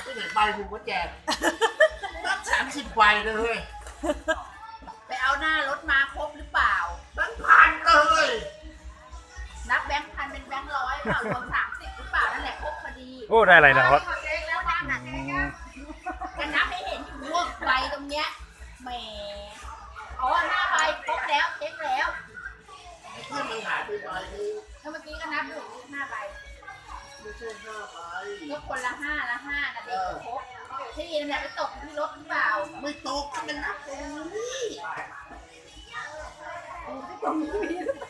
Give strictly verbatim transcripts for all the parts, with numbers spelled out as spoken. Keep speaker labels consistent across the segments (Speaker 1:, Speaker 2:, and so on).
Speaker 1: ไม่เห็นใบมึงก็แจกนับสามสิบใบเลย
Speaker 2: ไปเอาหน้ารถมาครบหรือเปล่า
Speaker 1: แบงค์พันเลย
Speaker 2: นับแบงค์พันเป็นแบงค์ร้อยเปล่ารวมสามสิบหรือเปล่านั่นแหละครบพอดี
Speaker 3: โอ้ได้อะไรนะครับ
Speaker 2: เจ๊งแล้วบ้านน่ะเจ๊งแล้วจะนับให้เห็นอยู่ว่าใบตรงเนี้ยแหมอ๋อหน้าใบครบแล้วเช็คแล้ว
Speaker 1: เพื่อนมันหายไปใบนึง
Speaker 2: เมื่อกี้ก็นับอยู่ห้าใบ
Speaker 1: ไม่ใช่ห้าใบ
Speaker 2: ก็คนละห้าละห้านะเด็กครบที่นั่นแหละไปตกที่รถหรือเปล่า
Speaker 1: ไม่ตกมันนับตรงนี้
Speaker 2: ตรงนี้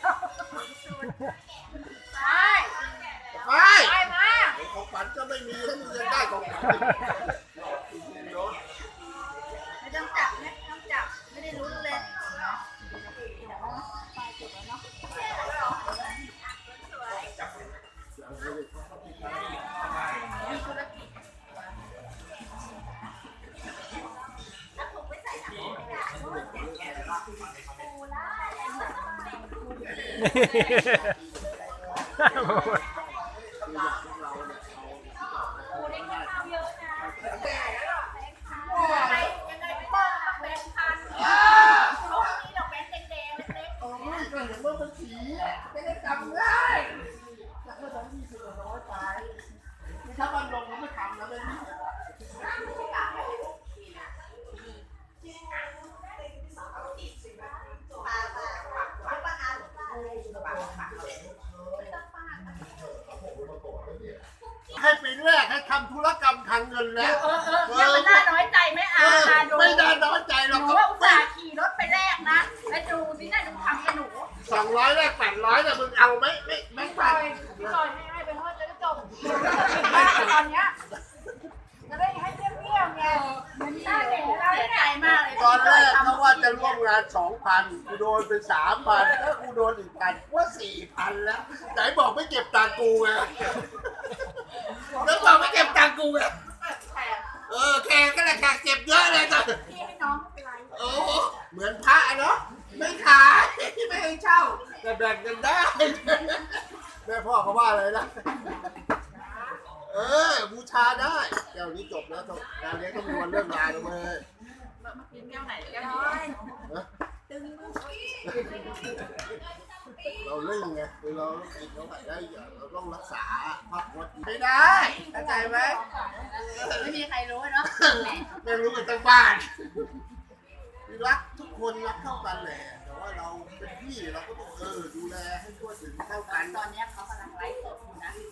Speaker 2: ไป
Speaker 1: ไป
Speaker 2: ไปมา
Speaker 1: ของขวัญก็ไม่มีแล้วมึงจะได้ของขวัญ
Speaker 2: ไม่ต้องจับไม่ต้องจับไม่ได้รู้เลยมีธุรกิจแล้วถูกไปใส่ถังไม่ได้เพราะว่าแจกแกะปูล่าปูได้ข้าวเยอะนะยังไงยังไงพี่ป้องตักแบงค์พันเขามีดอกแบงค์แดงๆเล็กๆ
Speaker 1: โอ้ยก็เห็นว่ามันสีไม่ได้จำได้จากเมื่อตอนยี่สิบกว่าร้อยไปถ้ามันลงมันไม่ทำแล้วไม่มีให้ปีแรกให้ทำธุรกรรมทางเงินแล้ว
Speaker 2: เออเออเนี่ยมันน่าน้อยใจไหมอาดู
Speaker 1: ไม่ได้น้อยใจหรอก
Speaker 2: หนูว่าอุตส่าห์ขี่รถไปแรกนะแล้วดูสิน่าดูทำกับหนู
Speaker 1: สองร้อยแรกแปดร้อยเนี่ยมึงเอาไหมไม่ไม่ไป
Speaker 2: พี่ลอยให้ให้ไปเถอะจะได้จบตอนเนี้ยจะได้ให้เที่ยวๆไงมันน่าเสียใจมากเลย
Speaker 1: ตอนแรกเขาว่าจะร่วมงานสองพันกูโดนไปสามพันถ้ากูโดนอีกพันว่าสี่พันแล้วไหนบอกไม่เก็บตังกูไงแล้วบอกไม่เก็บตังกูไงเออแขกก็แหละแขกเก็บเยอะเลยจ้ะ
Speaker 2: พี่ให้น้องไม่เป็นไร
Speaker 1: โอ้เหมือนพระเนาะไม่ขายไม่ให้เช่าแต่แบ่งกันได้แม่พ่อเขาว่าอะไรนะเออบูชาได้แก้วนี้จบแล้วงานเลี้ยงต้องมีวันเลิกงานแล้วเว้ย
Speaker 2: มากินแก้วไหนแก้วนี้ตึง
Speaker 1: เราเล่นไงคือเราต้องกินเราได้เราต้องรักษาภาพพจน์ไม่ได้เข้าใจไหม
Speaker 2: ไม่มีใครรู้เนาะ
Speaker 1: ไม่รู้กันทั้งบ้านรักทุกคนรักเท่ากันแหละแต่ว่าเราเป็นพี่เราก็ต้องเออดูแลให้ทั่วถึงเท่ากัน
Speaker 2: ตอนนี้เขากำลังไลฟ์สดอยู่นะ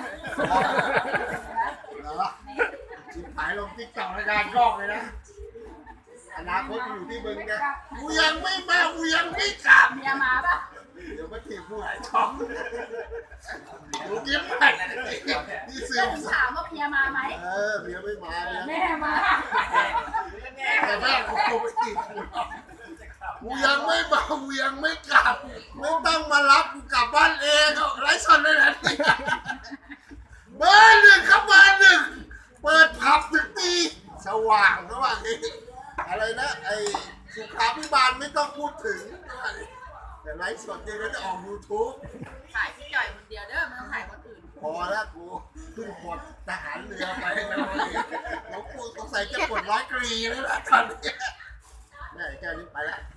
Speaker 1: เหรอชิบหายลงติ๊กต็อกในการกล้องเลยนะอนาคตอยู่ที่มึงไงกูยังไม่มากูยังไม่กลับ
Speaker 2: เมียมาปะ
Speaker 1: เดี๋ยวมาถีบกูหายท้องกูเก็บไปนี่ซื้อ
Speaker 2: ถามว่าเมียมาไหม
Speaker 1: เออเมียไม่มาเนี่ย
Speaker 2: แม่มา
Speaker 1: แต่แม่กูโทรไปตีกูยังไม่มากูยังไม่กลับไม่ต้องมารับกูกลับบ้านเองไร้สนเลยนะเบอร์หนึ่งครับเบอร์หนึ่งเปิดผับถึงตีสว่างระหว่างนี้อะไรนะไอ้สุขาภิบาลไม่ต้องพูดถึงแต่ไลฟ์สดเนี่ยก็จะออกยูทูบ
Speaker 2: ถ่ายพี่จ่อยคนเดียวเด้อไม่ต้องถ่ายคนอื่น
Speaker 1: พอแล้วกูขึ้นปลดทหารเรือไปแล้วแล้วกูสงสัยจะปลดร้อยกรีแล้วล่ะตอนนี้นี่แกนี้ไปแล้ว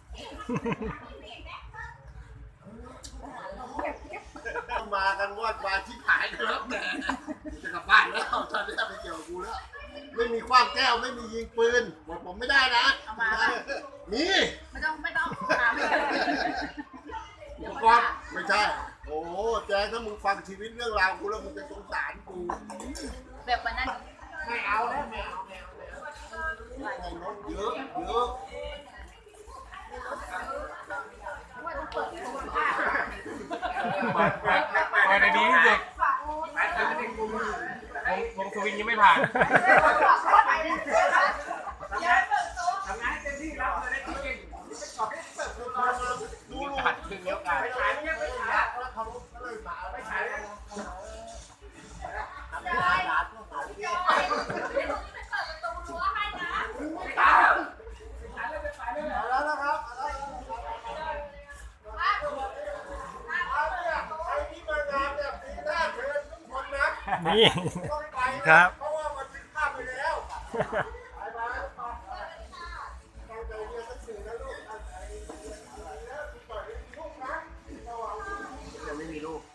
Speaker 1: มากันวอดวายที่ขายกันแล้วแต่จะกลับบ้านแล้วตอนนี้ไปเกี่ยวกับกูแล้วไม่มีคว้างแก้วไม่มียิงปืนหมดผมไม่ได้นะ
Speaker 2: เอามา
Speaker 1: มี
Speaker 2: ไม่ต้องไม่ต้องถาม
Speaker 1: อุปกรณ์ไม่ใช่โอ้แจ๊ถ้ามึงฟังชีวิตเรื่องราวกูแล้วมึงจะสงสารกู
Speaker 2: แบบวันนั้น
Speaker 1: ไม่เอาแล้วไม่เอาไม่เอาไม่เอาเยอะเยอะ
Speaker 2: ว่าจะเปิดตัวผ้า
Speaker 3: เปิดเปิดเปิดในนี้ที่สุดวงสวิงยังไม่ผ่าน
Speaker 1: ทำงานเต็มที่แล้วเลยได้กินดูดูหัดถึงเยอะกันไปฉายไม่ไปฉายแล้วเขาก็เลยมาไปฉายแล้วทำงานร้านก็ขายไม่ได้ไปเปิดประตูรั้วให้นะไปฉายเลยไปฉายเลยแล้วนะครับใครที่มางานเนี่ยปีหน้าเชิญทุกคนนะ
Speaker 3: นี่ครับ
Speaker 1: เพราะว่ามันผิดพลาดไปแล้วยังไม่มีลูก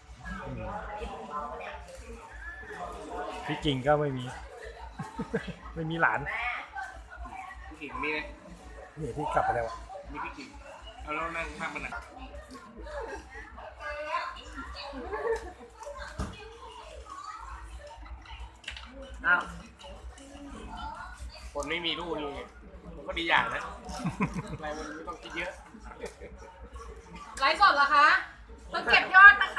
Speaker 4: พี่กิ่งก็ไม่มี ไม่มีหลาน
Speaker 3: พี่กิ่งมีไหม
Speaker 4: นี่ที่กลับไปแล้วอะ
Speaker 3: มีพี่กิ่งเอาแล้วนั่งข้างมันอ่ะอ้าวคนไม่มีลูกนี่มันก็ดีอย่างนะอะไรมันไม่ต้องคิดเยอะ
Speaker 2: ไลฟ์สดเหรอคะต้องเก็บยอดนะคะ